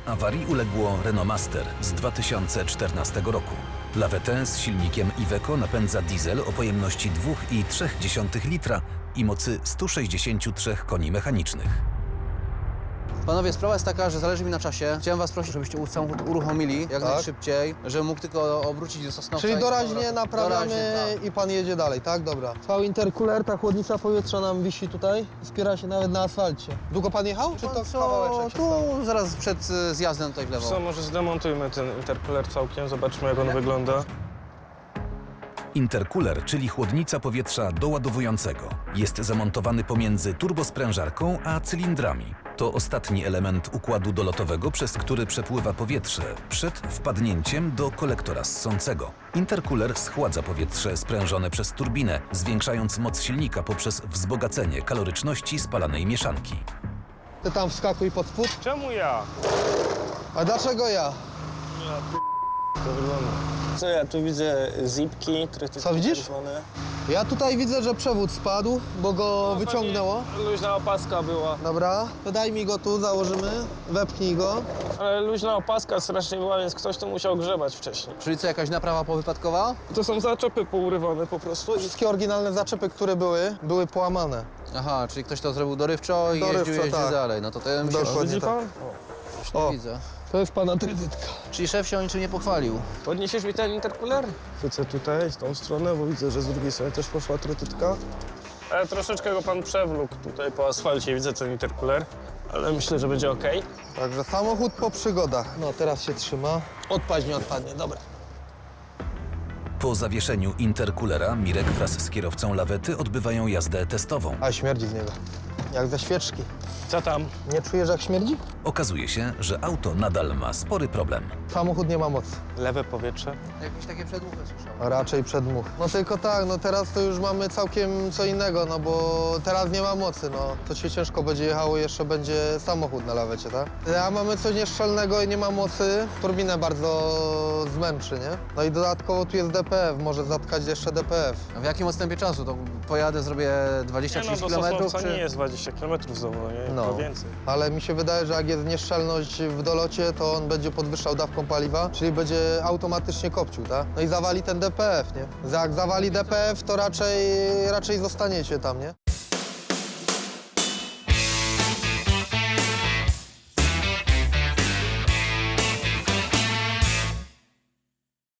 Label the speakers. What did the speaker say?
Speaker 1: Awarii uległo Renault Master z 2014 roku. Lawetę z silnikiem Iveco napędza diesel o pojemności 2,3 litra i mocy 163 koni mechanicznych.
Speaker 2: Panowie, sprawa jest taka, że zależy mi na czasie. Chciałem was prosić, żebyście samochód uruchomili jak najszybciej, żebym mógł tylko obrócić do Sosnowca.
Speaker 3: Czyli
Speaker 2: i
Speaker 3: doraźnie naprawiamy
Speaker 2: Doraźnie, tak.
Speaker 3: i pan jedzie dalej, tak? Dobra. Cały intercooler, ta chłodnica powietrza nam wisi tutaj, spiera się nawet na asfalcie. Długo pan jechał, czy to kawałeczek się stało?
Speaker 2: Tu zaraz przed zjazdem tutaj w lewo.
Speaker 4: Co, może zdemontujmy ten intercooler całkiem, zobaczmy jak on wygląda.
Speaker 1: Intercooler, czyli chłodnica powietrza doładowującego, jest zamontowany pomiędzy turbosprężarką a cylindrami. To ostatni element układu dolotowego, przez który przepływa powietrze przed wpadnięciem do kolektora ssącego. Intercooler schładza powietrze sprężone przez turbinę, zwiększając moc silnika poprzez wzbogacenie kaloryczności spalanej mieszanki.
Speaker 3: Ty tam wskakuj pod spód.
Speaker 4: Czemu ja?
Speaker 3: A dlaczego ja?
Speaker 4: To wygląda. Co ja tu widzę? Zipki,
Speaker 3: Co widzisz? Ja tutaj widzę, że przewód spadł, bo go wyciągnęło.
Speaker 4: Luźna opaska była.
Speaker 3: Dobra, to daj mi go tu, założymy, wepchnij go.
Speaker 4: Ale luźna opaska strasznie była, więc ktoś to musiał grzebać wcześniej.
Speaker 2: Czyli co, jakaś naprawa powypadkowa?
Speaker 4: To są zaczepy pourywane po prostu.
Speaker 3: Wszystkie oryginalne zaczepy, które były połamane.
Speaker 2: Aha, czyli ktoś to zrobił dorywczo i
Speaker 3: Dorywczo,
Speaker 2: jeździł
Speaker 3: tak.
Speaker 2: dalej. No to ja myślę,
Speaker 3: Dokładnie.
Speaker 4: Widzi pan?
Speaker 2: już nie
Speaker 3: O.
Speaker 2: widzę.
Speaker 3: To jest pana kredytka.
Speaker 2: Czyli szef się o niczym nie pochwalił.
Speaker 4: Podniesiesz mi ten intercooler? Chcę tutaj, z tą stronę, bo widzę, że z drugiej strony też poszła trytytka. Ale troszeczkę go pan przewlókł tutaj po asfalcie, widzę ten intercooler. Ale myślę, że będzie ok.
Speaker 3: Także samochód po przygodach. No teraz się trzyma. Odpaść nie odpadnie, dobra.
Speaker 1: Po zawieszeniu intercoolera Mirek wraz z kierowcą lawety odbywają jazdę testową.
Speaker 3: A śmierdzi z niego. Jak ze świeczki.
Speaker 4: Co tam?
Speaker 3: Nie czujesz, jak śmierdzi?
Speaker 1: Okazuje się, że auto nadal ma spory problem.
Speaker 3: Samochód nie ma mocy.
Speaker 4: Lewe powietrze.
Speaker 2: Jakieś takie przedmuchy słyszałem.
Speaker 3: A raczej przedmuch. No tylko tak, no teraz to już mamy całkiem co innego, no bo teraz nie ma mocy, no. To się ciężko będzie jechało, jeszcze będzie samochód na lawecie, tak? A mamy coś nieszczelnego i nie ma mocy, turbinę bardzo zmęczy, nie? No i dodatkowo tu jest DPF, może zatkać jeszcze DPF.
Speaker 2: A w jakim odstępie czasu? To pojadę, zrobię
Speaker 4: Nie
Speaker 2: 20-30
Speaker 4: no, do
Speaker 2: km?
Speaker 4: Sosnowca nie jest 20 km znowu, nie?
Speaker 3: No.
Speaker 4: To więcej.
Speaker 3: Ale mi się wydaje, że jak jest nieszczelność w dolocie, to on będzie podwyższał dawką paliwa, czyli będzie automatycznie kopcił, tak? No i zawali ten DPF, nie? Jak zawali DPF, to raczej zostaniecie tam, nie?